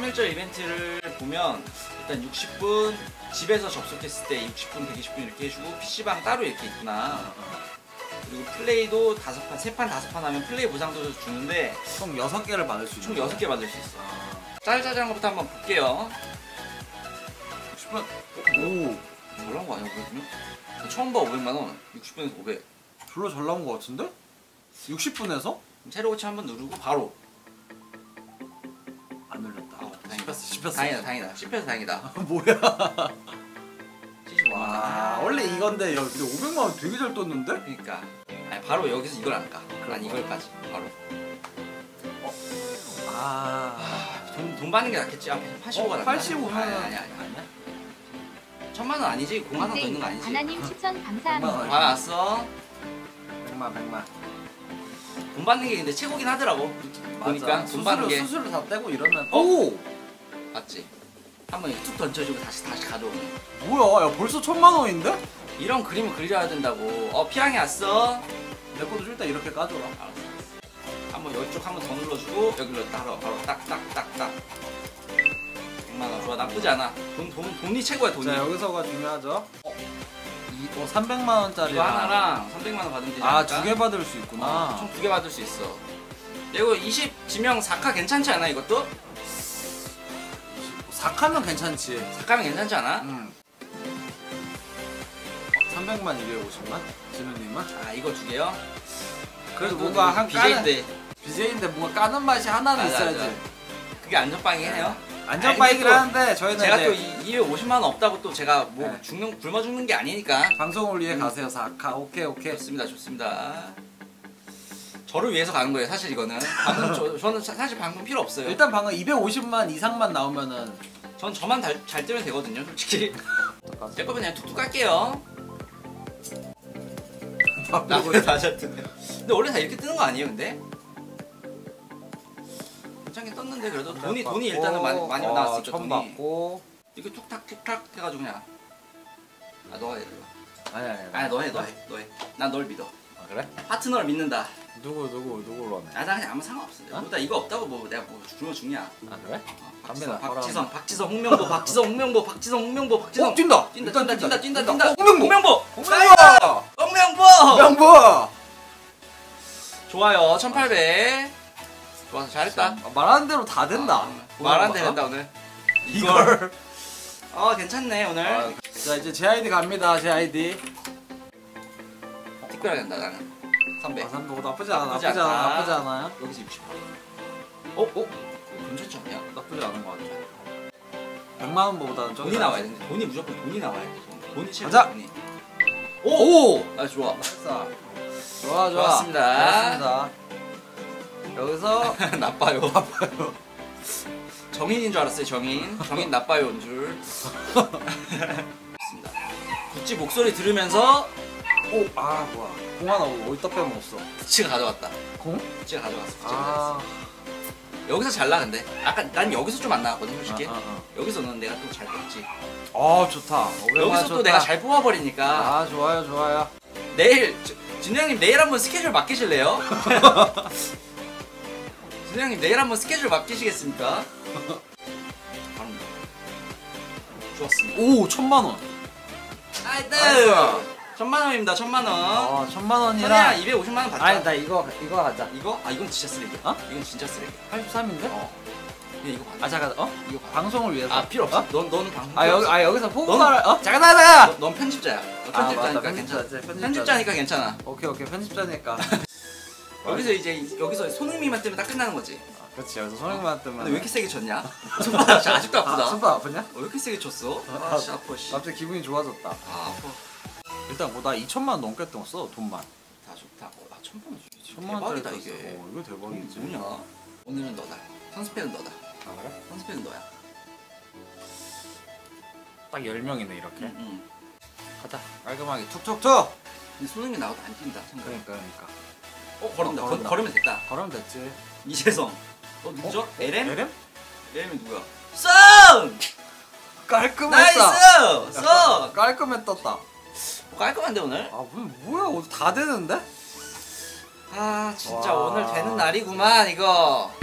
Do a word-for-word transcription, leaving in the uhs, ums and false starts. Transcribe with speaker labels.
Speaker 1: 삼 일절 이벤트를 보면 일단 육십 분 집에서 접속했을 때 육십 분, 백이십 분 이렇게 해주고 피시방 따로 이렇게 있구나. 그리고 플레이도 다섯 판, 세 판, 다섯 판 하면 플레이 보상도 주는데
Speaker 2: 총 여섯 개를 받을 수 있어.
Speaker 1: 총 여섯 개 받을 수 있어. 짤짤한 것부터 한번 볼게요. 육십 분.
Speaker 2: 오,
Speaker 1: 잘 나온 거 아니야, 그러면? 처음 봐, 오백만 원. 육십 분에서 오백.
Speaker 2: 별로 잘 나온 거 같은데? 육십 분에서?
Speaker 1: 새로 고치 한번 누르고 바로.
Speaker 2: 안 눌렸다.
Speaker 1: 어, 다행이다.
Speaker 2: 씹혔어, 씹혔어.
Speaker 1: 다행이다, 다행이다. 씹혀서 다행이다.
Speaker 2: 뭐야?
Speaker 1: 칠십오 만 원.
Speaker 2: 와, 원래 이건데, 야, 근데 오백만 원 되게 잘 떴는데?
Speaker 1: 그러니까. 아니, 바로 여기서 이걸 안 까. 난 이걸까지. 바로.
Speaker 2: 아,
Speaker 1: 아, 돈, 돈 받는 게 낫겠지. 아, 팔십오가
Speaker 2: 어,
Speaker 1: 낫나?
Speaker 2: 팔십오면
Speaker 1: 아니, 아니, 아니.
Speaker 2: 아니야?
Speaker 1: 천만 원 아니지? 공만 원 더 있는 거 아니지?
Speaker 3: 하나님 추천
Speaker 2: 백만
Speaker 3: 감사합니다.
Speaker 2: 원.
Speaker 1: 받았어.
Speaker 2: 백만, 백만.
Speaker 1: 돈 받는 게 근데 최고긴 하더라고. 보니까 돈 받는
Speaker 2: 수수료,
Speaker 1: 게.
Speaker 2: 수수료 다 떼고 이러면.
Speaker 1: 어?
Speaker 2: 오!
Speaker 1: 맞지? 한번 이렇게 툭 던져주고 다시 다시 가져오는.
Speaker 2: 뭐야, 야, 벌써 천만 원인데?
Speaker 1: 이런 그림을 그려야 된다고. 어, 피랑이 왔어.
Speaker 2: 내 것도 일단 이렇게 까줘라.
Speaker 1: 알았어. 한번 이쪽 한번 더 눌러주고 여기로 따로 바로 딱딱딱딱. 백만 원 좋아, 나쁘지 않아. 돈, 돈, 돈이 최고야, 돈이.
Speaker 2: 자, 여기서가 중요하죠. 어, 이, 어 삼백만 원짜리.
Speaker 1: 이거 하나랑 삼백만 원 받으면 되지
Speaker 2: 아,
Speaker 1: 않을까?
Speaker 2: 두 개 받을 수 있구나.
Speaker 1: 어, 총 두 개 받을 수 있어. 이거 이십 지명 사 카 괜찮지 않아, 이것도?
Speaker 2: 사 카면 괜찮지.
Speaker 1: 사 카면 괜찮지 않아?
Speaker 2: 응. 삼백만, 이백오십만? 진우님은?
Speaker 1: 아, 이거 두 개요?
Speaker 2: 그래도 뭔가 한 까는,
Speaker 1: 비제이인데
Speaker 2: 비제이인데 뭔가 까는 맛이 하나는
Speaker 1: 맞아,
Speaker 2: 있어야지.
Speaker 1: 맞아. 그게 안전빵이긴 해요.
Speaker 2: 안전바이긴
Speaker 1: 아니,
Speaker 2: 하는데 저희는
Speaker 1: 제가
Speaker 2: 이제
Speaker 1: 또 이백오십만 원 없다고 또 제가 뭐
Speaker 2: 네.
Speaker 1: 죽는 굶어 죽는 게 아니니까.
Speaker 2: 방송을 위해
Speaker 1: 음.
Speaker 2: 가세요. 사 카. 오케이, 오케이.
Speaker 1: 좋습니다, 좋습니다. 저를 위해서 가는 거예요, 사실 이거는. 방금 저, 저는 사- 사실 방금 필요 없어요.
Speaker 2: 일단 방금 이백오십만 이상만 나오면은
Speaker 1: 전 저만 잘, 잘 뜨면 되거든요, 솔직히. 제 거면 그냥 툭툭 깔게요. 나보다 다잘 뜨네. 근데 원래 다 이렇게 뜨는 거 아니에요, 근데? 괜찮게 떴는데 그래도 돈이 돈이 일단은 많이 많이
Speaker 2: 어,
Speaker 1: 나왔으니까
Speaker 2: 처음
Speaker 1: 돈이.
Speaker 2: 받고.
Speaker 1: 이렇게 툭탁 툭탁 해가지고 그냥. 아, 너가 해, 이거.
Speaker 2: 아니, 아니, 아니.
Speaker 1: 아, 너 해, 너 해, 너 해. 난 널 믿어.
Speaker 2: 아, 그래?
Speaker 1: 파트너를 믿는다.
Speaker 2: 누구, 누구, 누구로 하네?
Speaker 1: 아, 나 그냥 아무 상관없어.
Speaker 2: 어?
Speaker 1: 나 이거 없다고 뭐 내가 뭐 굶어 죽냐?
Speaker 2: 아, 그래?
Speaker 1: 어,
Speaker 2: 갑니다.
Speaker 1: 박지성, 박지성, 박지성, 홍명보, 박지성, 홍명보, 박지성, 홍명보, 박지성.
Speaker 2: 어, 뛴다!
Speaker 1: 뛴다,
Speaker 2: 일단
Speaker 1: 뛴다, 뛴다, 뛴다,
Speaker 2: 뛴다.
Speaker 1: 뛴다.
Speaker 2: 어, 홍명보!
Speaker 1: 홍명보,
Speaker 2: 홍명보!
Speaker 1: 홍명보.
Speaker 2: 명보!
Speaker 1: 좋아요, 천팔백. 좋아서 잘했다.
Speaker 2: 아, 말하는 대로 다 된다.
Speaker 1: 아, 말안 된다 오늘.
Speaker 2: 이걸.
Speaker 1: 아, 괜찮네 오늘.
Speaker 2: 아, 자, 이제 제 아이디 갑니다. 제 아이디.
Speaker 1: 특별하게 된다 나는. 삼백.
Speaker 2: 아, 삼백 나쁘지 않아.
Speaker 1: 나쁘지
Speaker 2: 나쁘지 않아.
Speaker 1: 않다.
Speaker 2: 나쁘지 않아요?
Speaker 1: 여기서 육십. 어, 어? 괜찮지 않냐?
Speaker 2: 나쁘지 않은 것 같아. 백만 원보다는 좀
Speaker 1: 돈이 나와야 돼. 돈이 무조건 돈이 나와야 돼. 돈이 최고.
Speaker 2: 가자.
Speaker 1: 돈이.
Speaker 2: 오! 오!
Speaker 1: 아, 좋아.
Speaker 2: 됐어. 좋아, 좋아.
Speaker 1: 좋았습니다.
Speaker 2: 좋았습니다. 여기서
Speaker 1: 나빠요. 나빠요. 정인인 줄 알았어요, 정인. 정인 나빠요, 온 줄. 좋습니다. 구찌 목소리 들으면서
Speaker 2: 오! 아, 뭐야. 공 하나 어디다 빼먹었어?
Speaker 1: 구찌가 가져갔다.
Speaker 2: 공?
Speaker 1: 구찌가 가져갔어. 구찌가
Speaker 2: 아.
Speaker 1: 가져갔어. 여기서 잘 나는데. 아까 난 여기서 좀 안 나왔거든, 솔직히.
Speaker 2: 아, 아,
Speaker 1: 여기서는 내가 또 잘 뽑지.
Speaker 2: 아. 아, 좋다.
Speaker 1: 여기서 또 내가 잘 뽑아버리니까.
Speaker 2: 아, 좋아요, 좋아요.
Speaker 1: 내일 진우 형님 내일 한번 스케줄 맡기실래요? 진우 형님 내일 한번 스케줄 맡기시겠습니까? 바랍니다. 좋았습니다.
Speaker 2: 오, 천만 원.
Speaker 1: 나이스!
Speaker 2: 나이스!
Speaker 1: 천만 원입니다. 천만 원.
Speaker 2: 아, 천만
Speaker 1: 선혜야
Speaker 2: 원이랑.
Speaker 1: 이백오십만 원 받자.
Speaker 2: 아니, 나 이거, 이거 하자.
Speaker 1: 이거? 아 이건 진짜 쓰레기야.
Speaker 2: 어?
Speaker 1: 이건 진짜 쓰레기야.
Speaker 2: 팔십삼인데?
Speaker 1: 어. 그냥 이거 받아.
Speaker 2: 아, 잠깐, 어?
Speaker 1: 이거 받아.
Speaker 2: 방송을 위해서.
Speaker 1: 아 필요 없어.
Speaker 2: 어?
Speaker 1: 넌 너는 방송.
Speaker 2: 아,
Speaker 1: 필요
Speaker 2: 여기,
Speaker 1: 없어.
Speaker 2: 아, 여기서
Speaker 1: 넌-
Speaker 2: 포괄, 어? 잠깐, 잠깐, 잠깐!
Speaker 1: 너- 넌 편집자야. 너
Speaker 2: 아,
Speaker 1: 편집자니까
Speaker 2: 맞다,
Speaker 1: 괜찮아.
Speaker 2: 편집자지, 편집자지.
Speaker 1: 편집자니까 괜찮아.
Speaker 2: 오케이, 오케이. 편집자니까.
Speaker 1: 여기서 이제 여기서 손흥민만 뜨면 딱 끝나는 거지.
Speaker 2: 아, 그렇지. 여기서 손흥민만 뜨면.
Speaker 1: 근데 왜 이렇게 세게 쳤냐? 손바닥 진짜 아직도 아프다.
Speaker 2: 아, 손바닥 아프냐?
Speaker 1: 어, 왜 이렇게 세게 쳤어?
Speaker 2: 아,
Speaker 1: 아, 씨 아파 씨.
Speaker 2: 갑자기 기분이 좋아졌다.
Speaker 1: 아, 아파.
Speaker 2: 일단 뭐 나 이천만 원 넘게 떴어, 돈만.
Speaker 1: 다 좋다. 어, 아, 천만 원.
Speaker 2: 천만 원짜리
Speaker 1: 대박이다
Speaker 2: 떴어.
Speaker 1: 이게.
Speaker 2: 어, 이거 대박이지.
Speaker 1: 뭐냐? 오늘은 너다. 선스팬은 너다.
Speaker 2: 아, 그래?
Speaker 1: 선스팬은 너야.
Speaker 2: 딱 열 명이네, 이렇게.
Speaker 1: 응, 응.
Speaker 2: 가자. 깔끔하게 툭툭툭!
Speaker 1: 근데 손흥민 나와도 안 뛴다. 생각.
Speaker 2: 그러니까, 그러니까.
Speaker 1: 어, 걸은다.
Speaker 2: 어,
Speaker 1: 걸,
Speaker 2: 걸은다.
Speaker 1: 걸으면 됐다.
Speaker 2: 걸으면 됐지.
Speaker 1: 이재성. 어, 누구죠? 에렘?
Speaker 2: 에렘?
Speaker 1: 에렘이 누구야? 썬!
Speaker 2: 깔끔했다.
Speaker 1: 나이스! 썬!
Speaker 2: 깔끔해 떴다.
Speaker 1: 뭐 깔끔한데 오늘?
Speaker 2: 아, 뭐, 뭐야, 오늘 다 되는데?
Speaker 1: 아, 진짜
Speaker 2: 와.
Speaker 1: 오늘 되는 날이구만 이거.